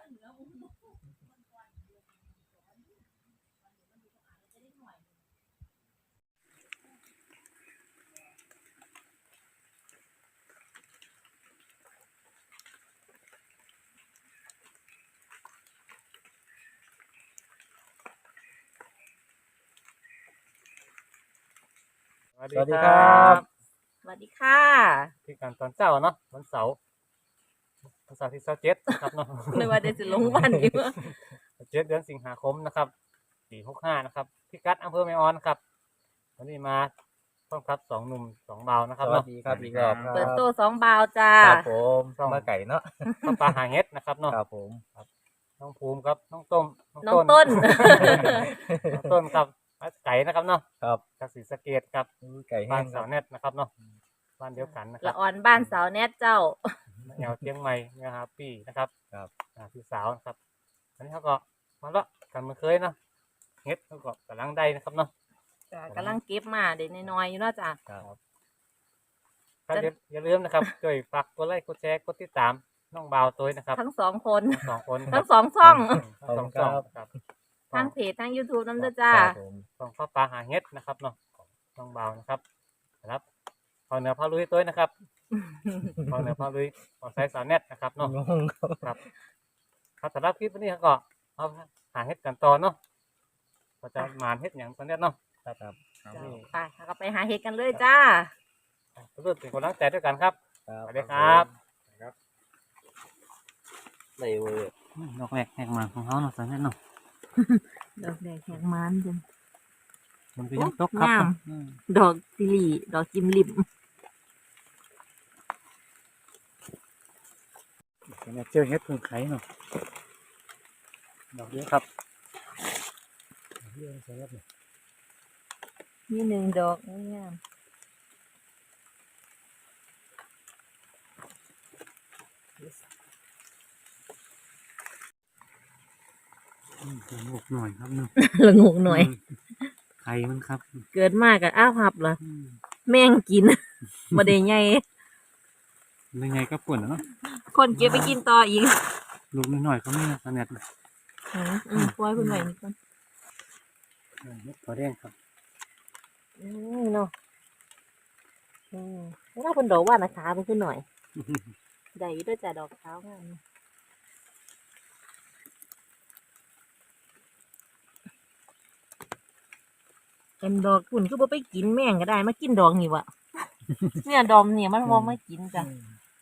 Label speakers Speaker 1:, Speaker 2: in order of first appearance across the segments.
Speaker 1: สวัสดีครับ
Speaker 2: สวัสดีค่ะ
Speaker 1: ที่การตอนเจ้าเนาะวันเสาร์ที่27ครับเนาะ
Speaker 2: นึกว่าจะลงวันอยู่
Speaker 1: 7 เดือนสิงหาคมนะครับปี65นะครับพิกัดอำเภอแม่ออนครับวันนี้มาพร้อมครับ2 หนุ่ม2บ่าวนะครับ
Speaker 3: สวั
Speaker 1: เนาะ
Speaker 3: สดีครับอีกรอบครับ
Speaker 2: เปิดโต๊ะ2 บาวจ้า
Speaker 3: ครับผมมาไก่เนาะ
Speaker 1: ข้าวปลาหาเห็ดนะครับเนาะ
Speaker 3: ครับผม
Speaker 1: น้องภูมิครับน้องต้ม
Speaker 2: น้องต้น
Speaker 1: น้องต้นครับไก่นะครับเนาะ
Speaker 3: ครับ
Speaker 1: จากศรีสะเกษครับ
Speaker 3: ไก่แห้
Speaker 1: บ้าน
Speaker 3: งค
Speaker 1: สา
Speaker 3: รับ
Speaker 1: วเน็ตนะครับเนาะบ้านเดียวกันนะครั
Speaker 2: ละ
Speaker 1: บ
Speaker 2: อ่อนบ้านสาวแนทเจ้า
Speaker 1: แนวเชียงใหม่นะครับพี่นะครับ
Speaker 3: ครับ
Speaker 1: พี่สาวนะครับอันนี้เขาก็มาละกันมาเคยเนาะเฮ็ดเขาก็กำลังได้นะครับเนาะ
Speaker 2: จ้ะกำลังเก็บมาเด็กน้อยๆอยู่เนาะจ้ะ
Speaker 3: ครับ
Speaker 1: ครับอย่าลืมนะครับช่วยฝากกดไลค์กดแชร์กดติดตามน้องบ่าวตัวนะครับ
Speaker 2: ทั้ง2 คน
Speaker 1: ทั้ง2 คน
Speaker 2: ทั้ง2 ช่อง
Speaker 1: ทั้งสองครับ
Speaker 2: ทั้งเพจทั้ง YouTube น้ำเด้อจ้า
Speaker 3: ครับผม
Speaker 1: ต้องข้าวปลาหาเฮ็ดนะครับเนาะของน้องบ่าวนะครับพอเหนือพอลุยตัวนะครับพอเหนือพอลุยพอใส่สาวเน็ตนะครับเนาะ
Speaker 3: งงครับ
Speaker 1: ครับสำหรับคลิปวันนี้ก็เอาหาเฮ็ดกันต่อเนาะก็จะหมานเฮ็ดอย่างตอนนี้เนาะ
Speaker 3: ครับครับ
Speaker 1: นี่
Speaker 2: ไปเราก็ไปหาเห็ดกันเลยจ้า
Speaker 1: รู้สึกเป็นคนรักใจด้วยกันครับ
Speaker 3: ครับ
Speaker 1: สวัสดีครับ
Speaker 3: ในเวอร์
Speaker 1: ดอกแรกแหกมาของเขาเนาะสาวเน็ตเนาะ
Speaker 2: ดอกแดงแหงมันจ้ะ
Speaker 1: มันก็ยังตกครับ
Speaker 2: งาม ดอกซิลีดอกจิมลิม
Speaker 1: เนี่ยเจอเฮ็ดพึ่งไข่เนาะดอกเยอะครับดอกเยอะสาวเน็ตเนี่ย
Speaker 2: นี่1 ดอกงาม
Speaker 1: หกหน่อยครับเนาะ
Speaker 2: ละงกหน่อย
Speaker 1: ไข่มันครับ
Speaker 2: เกิดมากกับอ้าวหับเหรอแม่งกิน บ่ได้ใหญ่
Speaker 1: ยังไงก็ป่วนเนาะ
Speaker 2: คนเก็บไปกินต่ออีก
Speaker 1: ลูกน้อยๆก็มีสาวเน็ต
Speaker 2: ปล่อยเพิ่นไว้นี่ก่อน
Speaker 1: เฮ็ดตัวแดงครับ
Speaker 2: เนาะแล้วเพิ่นดอกว่านะคะเพิ่นขึ้นหน่อยได้อยู่ด้วยจ้ะดอกขาวงามเป็นดอกคุณคือบ่ไปกินแม่งก็ได้มากินดอกนี่วะ เนี่ยดอมเนี่ยมันบ่มากินจ้ะ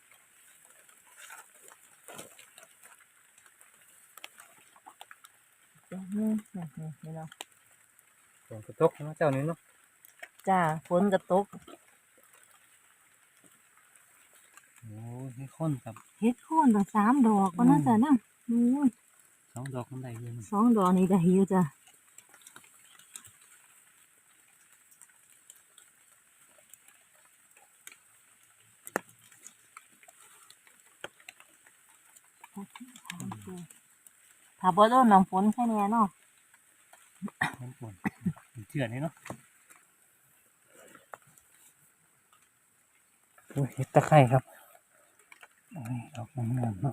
Speaker 2: นี่เนาะ
Speaker 1: ฝนกระตกนะเจ้านี้เนาะ
Speaker 2: จ้าฝนก็ตก
Speaker 1: โอ้ให้ข้นครับ
Speaker 2: เฮ็ดโคนตั้ง3 ดอกว่านั่นจ้ะนะ
Speaker 1: 2 ดอกมันได้เลย
Speaker 2: 2 ดอกนี่ได้อยู่จ้ะถ้าบ่โดนน้ำฝนแค่นี้เนาะ
Speaker 1: มันป่วนเชื่อนี่เนาะโอ้ยเห็ดตะไคร่ครับโอ้ยดอกงามๆเนาะ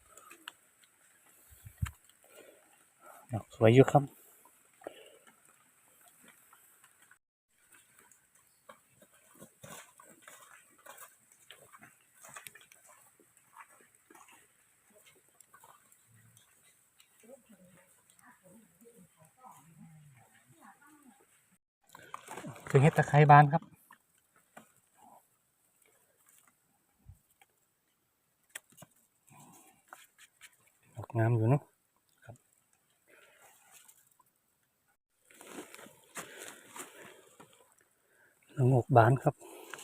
Speaker 1: ดอกสวยอยู่ครับคือเห็ดตะไคร่บานครับดอกงามอยู่เนาะครับละโงกบานครับ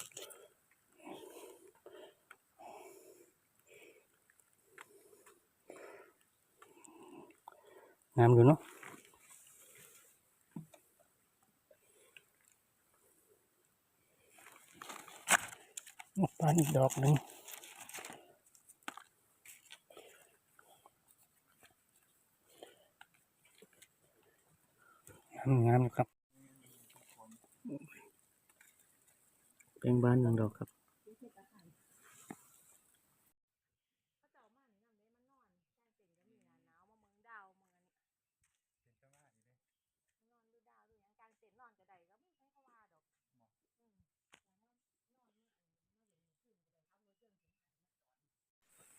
Speaker 1: งามอยู่เนาะบานอีกดอกหนึ่งงามครับเป็นบาน1 ดอกครับ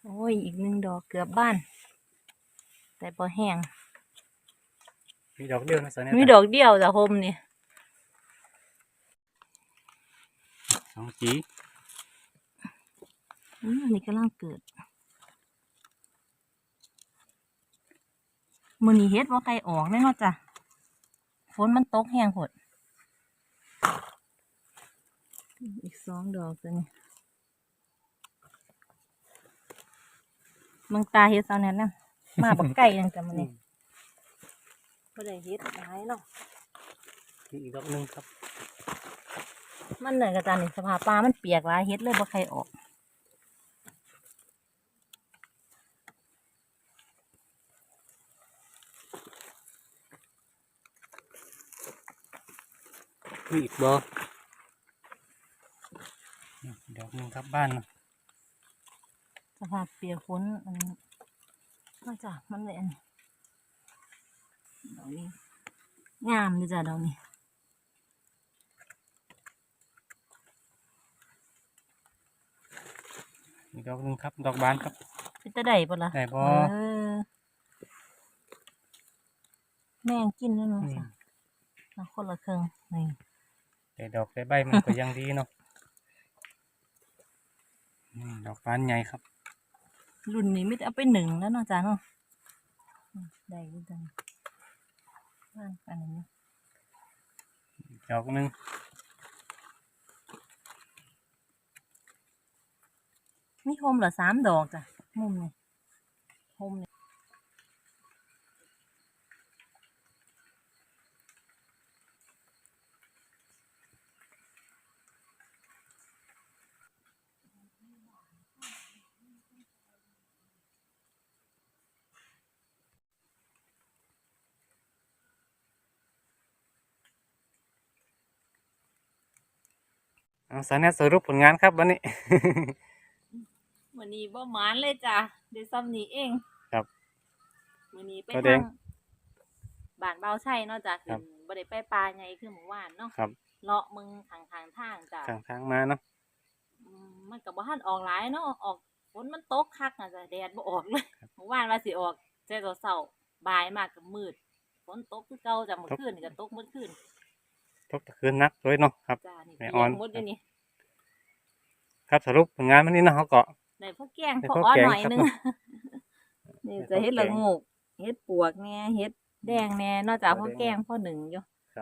Speaker 2: โอ้ยอีกหนึ่งดอกเกือบบ้าน แต่พอแห้ง
Speaker 1: มีดอกเดียวนะสาวแนท
Speaker 2: มีดอกเดียวจ้ะโฮมนี่
Speaker 1: 2 จี
Speaker 2: อันนี้กำลังเกิดมื้อนี้เฮ็ดบ่ไกลออกเลยเนาะจ้ะฝนมันตกแห้งโพดอีก2 ดอกตัวนี้เมืองตาเฮ็ดเซาแน่นนะมาบ่ไกลจังจ้ะมื้อนี้บ่ได้เฮ็ดหลายเนาะ
Speaker 1: มีอีกดอกหนึงครับ
Speaker 2: มันเหนื่อยกับจานนี่สภาพปลามันเปียกหลายเฮ็ดเลยบ่ใครออก
Speaker 1: มีอีกบ่ดอกหนึงครับบ้านเนาะ
Speaker 2: สภาพเปียกฝนอันนี้มาจ้ะมันเลยอันนี้ดอกนี้งามเลยจ้ะดอกนี้
Speaker 1: อีกดอกหนึงครับดอกบานครับ
Speaker 2: เป็นตะได้ปะล่ะ
Speaker 1: ได้บ่
Speaker 2: เออแม่งกินแล้วเนาะจ้ะเอาคนละครึ่งนี่
Speaker 1: ได้ดอกได้ใบมันก็ยังดีเนาะดอกบานใหญ่ครับ
Speaker 2: รุ่นนี้ไม่ได้เอาไปหนึ่งแล้วเนาะจ้ะเนาะได้ด้วยจังว่างอันนี้
Speaker 1: ดอกหนึง
Speaker 2: มีโฮมเหรอ3 ดอกจ้ะมุมนี่โฮมนี่
Speaker 1: สาวแนทสรุปผลงานครับวันนี้
Speaker 2: วันนี้บ่หมานเลยจ้ะเดี๋ยวซ้ำนี้เอง
Speaker 1: ครับ
Speaker 2: วันนี้ไป
Speaker 1: ก็แด
Speaker 2: ทาง งบ้านเบาใช่เนาะจ้ะ
Speaker 1: ครั
Speaker 2: คือบ บ่ได้ไปปลาใหญ่คือเมื่อวานเนาะ
Speaker 1: ครับ
Speaker 2: เลาะมึงทางทางจ้ะ
Speaker 1: ข้างทางมาเนาะ
Speaker 2: มันก็บ่ทันออกหลายเนาะออกฝนมันตกคักน่ะจ้ะแดดบ่ออกเลยเมื่อวานว่าสิออกแต่ตอนเช้าบ่ายมากก็มืดฝนตกคือเก่าจ้ะเมื่อคืนนี่ก็ตกเมื่อคืน
Speaker 1: ตกตะคืนนักด้วยเนาะครับ
Speaker 2: จ้ะนี่
Speaker 1: แม่
Speaker 2: เปี
Speaker 1: ออย น
Speaker 2: กหมดอยู่นี่
Speaker 1: ครับสรุปผลงานวันนี้เนาะเขาก็
Speaker 2: ได้พอแกง
Speaker 1: ได้
Speaker 2: พอ
Speaker 1: พอ
Speaker 2: อ้อ
Speaker 1: แกง
Speaker 2: หน่อย
Speaker 1: ครับ
Speaker 2: นึง นี่จะเฮ็ดละโงกเฮ็ดปวกแหน่เฮ็ดแดงแหน่นอกจากพอแกงพอหนึ่งอยู่
Speaker 1: ครับ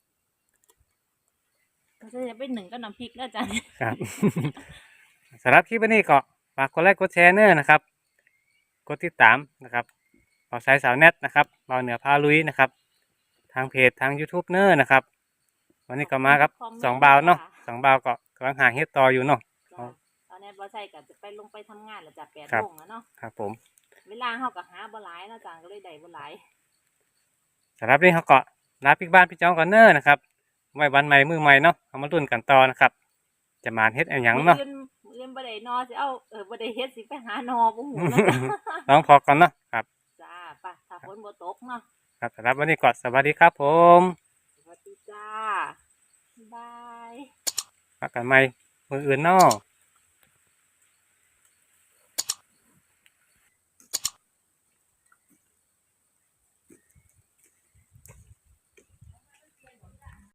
Speaker 2: ก็จะไปหนึ่งก็น้ำพริกแล้วจ้ะ
Speaker 1: ครับ สำหรับคลิปวันนี้ก็ฝากกดไลค์กดแชร์เนอร์นะครับกดติดตามนะครับเบาสายสาวแนทนะครับเบาเหนือพาลุยนะครับ ทางเพจทาง YouTube เนอร์นะครับ วันนี้ก็มาครับ2 บาวเนาะ2 บาวก็กำลังหาเฮ็ดต่ออยู่เนาะ
Speaker 2: จ้ะตอนนี้บ่ใช่ก็จะไปลงไปทำงานแล้วจ้ะ
Speaker 1: ครับ
Speaker 2: 8:00 นแล้วเนาะ
Speaker 1: ครับผม
Speaker 2: เวลาเฮาก็หาบ่หลายเนาะจ้ะก็เลยได้บ่หลาย
Speaker 1: สำหรับนี้เขาก็ลาปิกบ้านพี่จ้องก่อนเนอร์นะครับไว้วันใหม่มือใหม่เนาะเอามาลุ้นกันต่อนะครับ จะมาเฮ็ดอะไรหยังเนาะ
Speaker 2: มื้ออื่นบ่ได้นอสิเอาบ่ได้เฮ็ดสิไปหานอบ่ฮู้เนาะ
Speaker 1: ลองพอก่อนเนาะครับ
Speaker 2: จ้าไปถ้าฝนบ่ตกเนาะ
Speaker 1: ครับสำหรับวันนี้ก็สวัสดีครับผม
Speaker 2: สวัสดีจ้าบ๊ายบาย
Speaker 1: พักกันใหม่มืออื่นเนาะ